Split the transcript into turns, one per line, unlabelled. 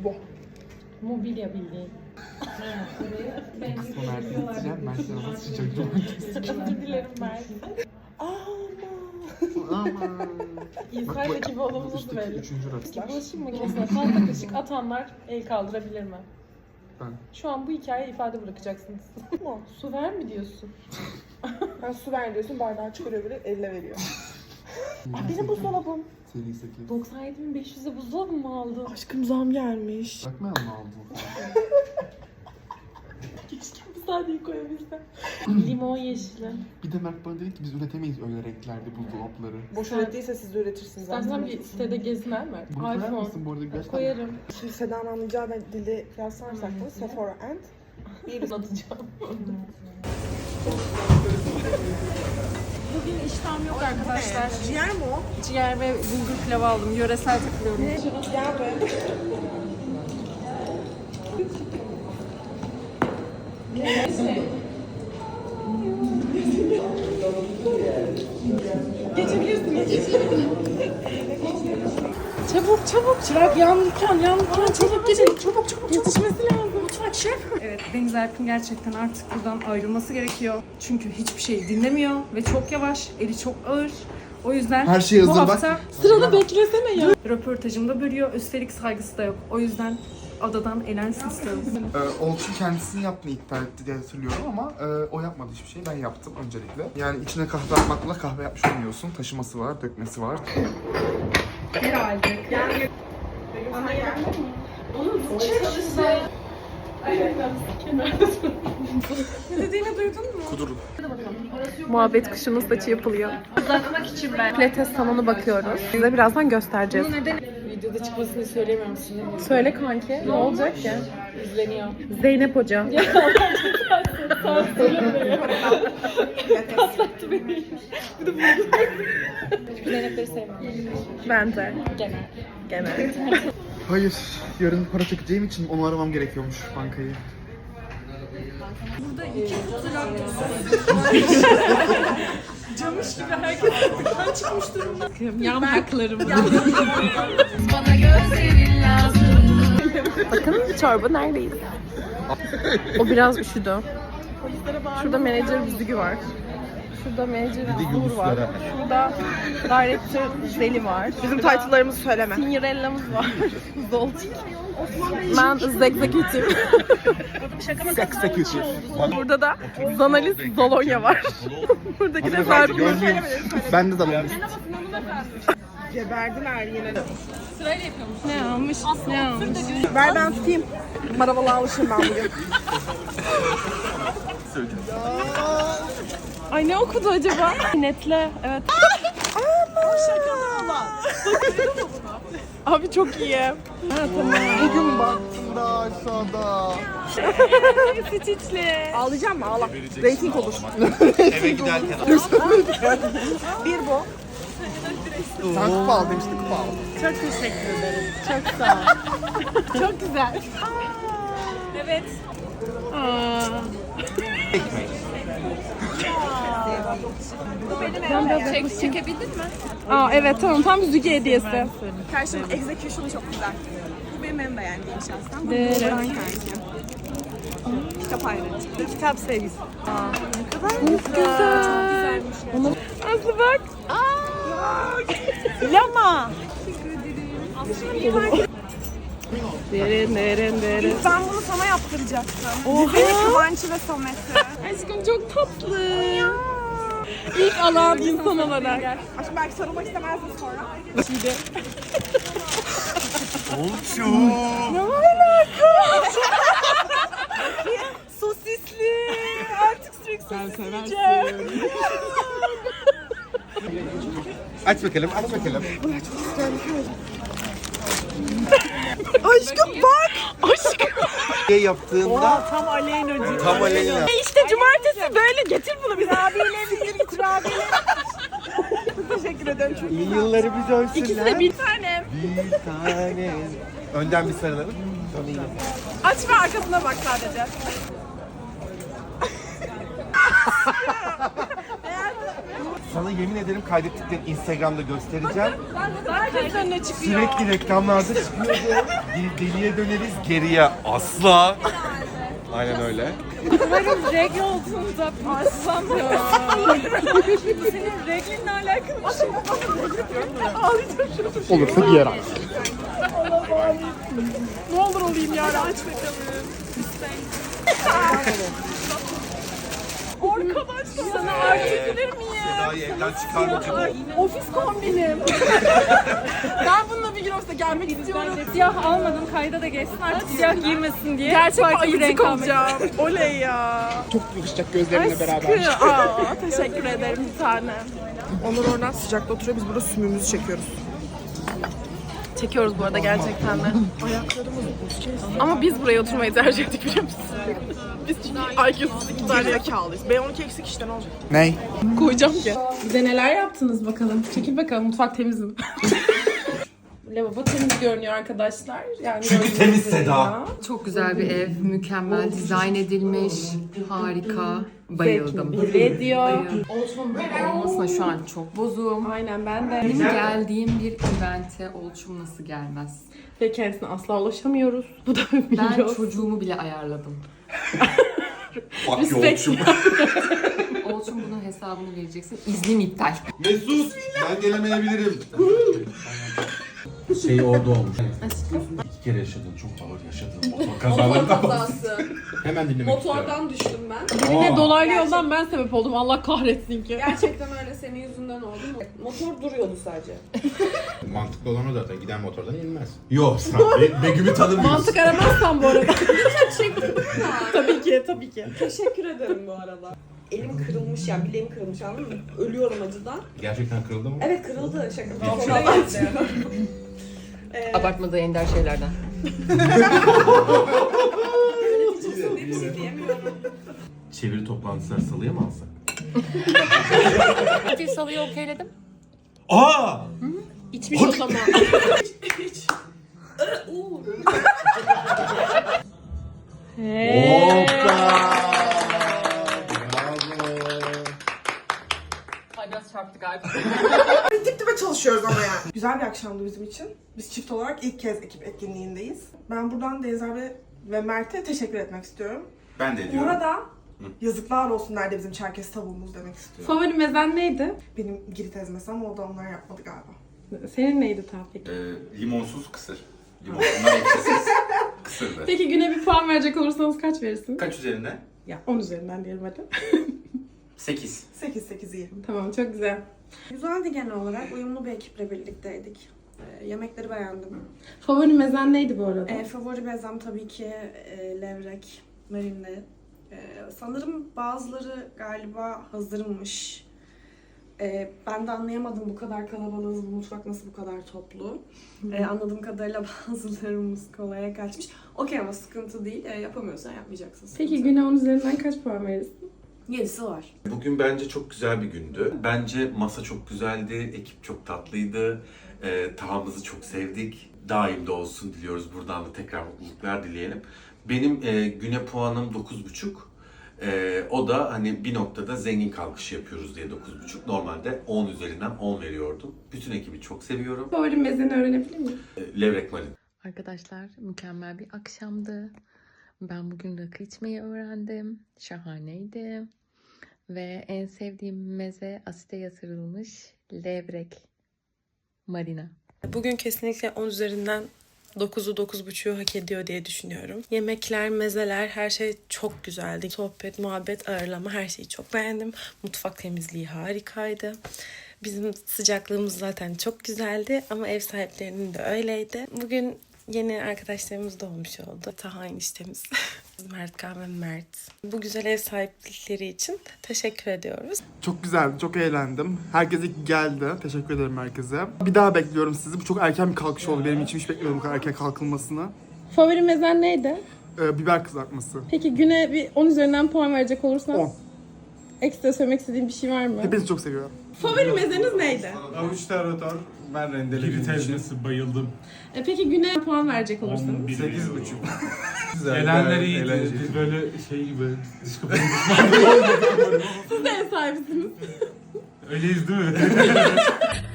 Bu.
Mobilya bildiğin.
Kısmı Mert'e gideceğim. Mert'e nasıl sıcak
Özür dilerim Mert.
Aman.
İnsayla gibi olduğumuzu
İşte
belli.
üçüncü rakı.
Bulaşık makinesine fazla kaşık atanlar el kaldırabilir mi?
Ben.
Şu an bu hikayeye ifade bırakacaksınız. Su ver mi diyorsun?
Ben su ver diyorsun, bardağı çıkarıyor bile, elle veriyor. Benim buzdolabım.
Seri 8.
97.500'e buzdolabı mı aldın?
Aşkım zam gelmiş.
Bakmayalım mı aldın?
Keşke bu sadeyi koyabilsem. Limon yeşili.
Bir de Mert bana dedi ki biz üretemeyiz öyle renklerde buzdolapları.
Boş ürettiyse siz de üretirsiniz.
İstersen bir sitede geziner mi?
Bunu koyar
iPhone.
mısın bu arada? Gerçekten
Koyarım.
Şimdi Seda'nın anlayacağı dili yazarsak da Sephora and bir
Anlatacağım. Bugün iştahım yok arkadaşlar.
ciğer mi o?
Ciğer ve bulgur pilavı aldım. Yöresel takılıyorum.
Gel be.
Çabuk çabuk. Çırak yandıkken çabuk geçelim. Çabuk yetişmesi lazım. Mutfak şef.
Evet, Deniz Erkin gerçekten artık buradan ayrılması gerekiyor. Çünkü hiçbir şey dinlemiyor ve çok yavaş, eli çok ağır. O yüzden
Her şey
bu
hazır, bak.
hafta
Sıranı beklesene ya.
röportajımda bölüyor. Üstelik saygısı da yok. O yüzden adadan elensin istiyorum.
Olçu kendisini yaptığını iddia etti diye hatırlıyorum ama o yapmadı hiçbir şey. Ben yaptım öncelikle. Yani içine kahve atmakla kahve yapmış olmuyorsun. Taşıması var, dökmesi var.
Herhalde. Ne dediğini duydun mu?
Kudurun.
Muhabbet kuşunun saçı yapılıyor.
Uzatmak için ben.
Pilates salonu bakıyoruz. Size birazdan göstereceğiz.
Videoda çıkmasını söyleyemiyorsun değil mi?
Söyle kanki. Ne olacak ki?
İzleniyor.
Zeynep Hoca.
Zeynep'leri sevmiyorum.
Ben de.
Genel.
Genel.
Hayır, yarın para çekeceğim için onu aramam gerekiyormuş bankayı.
Burada iki trak camış gibi herkes buradan çıkmış durumda.
Yan haklarım. Bakın çorba neredeyiz? O biraz üşüdü. Şurada menajer Büzgü var. Şurada menajer Uğur var. Şurada director Zeli var.
Bizim title'larımızı söyleme.
Sinirella'mız var. Zoltik. Ben Zegzekütüm.
Executive.
Burada da Zanalis Zolonya var. Buradaki de Faruk.
Ben de zamanım.
Geberdiler yine.
Ne almış? Ne almış?
Ver ben tutayım. Maravalı almışım ben bugün.
Ay ne okudu acaba? Netle. Evet. Abi çok iyi. Ha tamam.
Bugün baktığında aşağıda.
Stitch'li.
Ağlayacağım mı? Ağla. Rating olur.
Eve giderken
Bir bu.
Sen kupa al demiştin, kupa al.
Çok teşekkür ederim. Çok sağ ol. Çok güzel. Evet. Aa. Çekebildin mi? Aa evet tamam tam bir Züge hediyesi.
Karşımın execution'ı çok güzel. Bu benim en beğendiğim şahsen. Bu
Evet.
Buran kanki. Kitap ayrıcı. Kitap sevgisi.
Çok güzel. Aslı bak.
Lama.
Derin derin derin.
Ben bunu sana yaptıracaktım. Oha. Kıvanç'ı ve Samet'i.
Aşkım çok tatlı. İlk alan insan olarak.
Aşkım belki sarılmak istemezdin sonra.
Olçu.
Sosisli. Artık sürekli sosis yiyeceğim.
Aç bakalım, aç bakalım.
Aşkım bak.
Şey yaptığında
Tam Aleyna'cı.
tam aleyna.
İşte cumartesi böyle getir bunu bize.
Kurabiyeyle bilir git kurabiyeyle. Çok teşekkür ederim. Çok
İyi yılları biz ölsünler.
İkisi de bir tane.
Bir tane. Önden bir sarılalım.
Aç ve arkasına bak sadece.
Sana yemin ederim kaydettiklerini Instagram'da göstereceğim.
Herkes önüne çıkıyor.
Sürekli reklamlarda çıkıyordu. Deliye döneriz geriye asla. Aynen öyle.
Umarım regl olduğunda paslanmıyor. Senin reglinle alakalı bir şey yok. Ağlayacağım şunu.
Olursa giyer abi.
Ne olur olayım ya. Aç bakalım. Arkadaşlar. Sana artık bilir miyim?
Seda'yı evden çıkarmayacak.
Ofis kombinim. Ben bununla bir gün ofise gelmek istiyorum. Siyah almadım, kayda da geçsin artık siyah girmesin diye. Gerçek ayıcık olacağım. Oley ya.
Çok yakışacak gözlerinle beraber.
Aa, teşekkür ederim bir tane.
Onur oradan sıcakta oturuyor, biz burada sümüğümüzü çekiyoruz.
Çekiyoruz bu arada gerçekten de. Ama biz buraya oturmayı tercih ettik biliyor musun? Biz çünkü IQ'suz iki tane
Gerizekalıydız. B12 eksik işte ne olacak?
Ney?
koyacağım ki. Bize neler yaptınız bakalım. Çekil bakalım, mutfak temiz mi? Lavabo temiz görünüyor arkadaşlar. Yani
Çünkü temiz Seda.
Çok güzel bir ev, mükemmel dizayn edilmiş, harika, bayıldım.
belli ediyor.
Olmasına şu an çok bozuğum.
Aynen ben de.
Benim geldiğim bir evente Olçum nasıl gelmez?
Ve kendisine asla ulaşamıyoruz. Bu da
Ben
biliyoruz.
çocuğumu bile ayarladım.
Bak yolcum.
Olçum bunun hesabını vereceksin. İznim iptal.
Mesut ben gelemeyebilirim. Şey orada olmuş. İki kere yaşadın, çok ağır yaşadın. Motor kazalarından bahsediyorsun. Hemen dinlemek istiyorum.
Düştüm ben.
Yine dolaylı yoldan ben sebep oldum. Allah kahretsin ki.
Gerçekten öyle senin yüzünden oldu. Motor duruyordu sadece.
Mantıklı olan o zaten. Giden motordan inmez. Yok sen Begüm'ü tanımıyorsun.
Mantık aramazsan bu arada. tabii ki, tabii ki.
Teşekkür ederim bu arada. Elim kırılmış yani bileğim kırılmış anladın mı? Ölüyorum acıdan.
Gerçekten kırıldı mı?
Evet kırıldı şaka.
Abartmadığı ender şeylerden.
Bir şey diyemiyorum.
Çeviri toplantısı salıya mı alsak?
Bir salıyı okeyledim.
Aa!
İçmiş o zaman.
Ay biraz çarptı galiba.
Dip dibe çalışıyoruz ama yani. Güzel bir akşamdı bizim için. Biz çift olarak ilk kez ekip etkinliğindeyiz. Ben buradan Deniz abi ve Mert'e teşekkür etmek istiyorum.
Ben de diyorum.
Burada yazıklar olsun nerede bizim Çerkes tavuğumuz demek istiyorum.
Favori mezen neydi?
Benim Girit ezmesi ama o da onlar yapmadı galiba.
Senin neydi Tevfik?
Limonsuz kısır. Limonsundan ekşisiz. Kısırdı.
Peki güne bir puan verecek olursanız kaç verirsiniz?
Kaç üzerine?
Ya 10 üzerinden diyelim hadi.
8.
8-8 iyi.
Tamam çok güzel.
Güzeldi genel olarak. Uyumlu bir ekiple birlikteydik. Yemekleri beğendim.
Favori mezen neydi bu arada?
Favori bezem tabii ki levrek, marinli. Sanırım bazıları galiba hazırmış. Ben de anlayamadım bu kadar kalabalığız, bu mutfak nasıl bu kadar toplu. Anladığım kadarıyla bazılarımız kolaya kaçmış. Okey ama sıkıntı değil. Yapamıyorsan yapmayacaksın.
Peki güne 10 üzerinden kaç puan verirsin?
7'si var.
Bugün bence çok güzel bir gündü. Bence masa çok güzeldi, ekip çok tatlıydı. Tavamızı çok sevdik. Daim de olsun diliyoruz. Buradan da tekrar mutluluklar dileyelim. Benim güne puanım 9,5. O da hani bir noktada zengin kalkışı yapıyoruz diye 9,5. Normalde 10 üzerinden 10 veriyordum. Bütün ekibi çok seviyorum.
Favori mezeni öğrenebilir miyim?
Levrek Marin.
Arkadaşlar mükemmel bir akşamdı. Ben bugün rakı içmeyi öğrendim. Şahaneydi. Ve en sevdiğim meze asite yatırılmış levrek marina.
Bugün kesinlikle 10 üzerinden 9'u 9,5'u hak ediyor diye düşünüyorum. Yemekler, mezeler, her şey çok güzeldi. Sohbet, muhabbet, ağırlama her şeyi çok beğendim. Mutfak temizliği harikaydı. Bizim sıcaklığımız zaten çok güzeldi ama ev sahiplerinin de öyleydi. Bugün yeni arkadaşlarımız da olmuş oldu. Taha eniştemiz, Mertkan ve Mert. Bu güzel ev sahiplikleri için teşekkür ediyoruz.
Çok güzeldi, çok eğlendim. Herkes geldi. Teşekkür ederim herkese. Bir daha bekliyorum sizi. Bu çok erken bir kalkış oldu. Benim için hiç bekliyorum bu kadar erken kalkılmasını.
Favori mezen neydi?
Biber kızartması.
Peki güne bir 10 üzerinden puan verecek olursan?
10.
Ekstra söylemek istediğin bir şey var mı?
Hepinizi çok seviyorum.
Favori mezeniz neydi?
Avuç tarator,
Ben rendelediğim
Giri
için.
tezgahı bayıldım.
Peki güne puan verecek olursanız?
11
8,5.
Güzel.
Güzel,
Elenler
gayet
iyiydi.
eğlenceli.
Biz böyle şey gibi dış kapının düşmanlığı olmadı.
Siz de ev sahibisiniz.
Öyleyiz değil mi?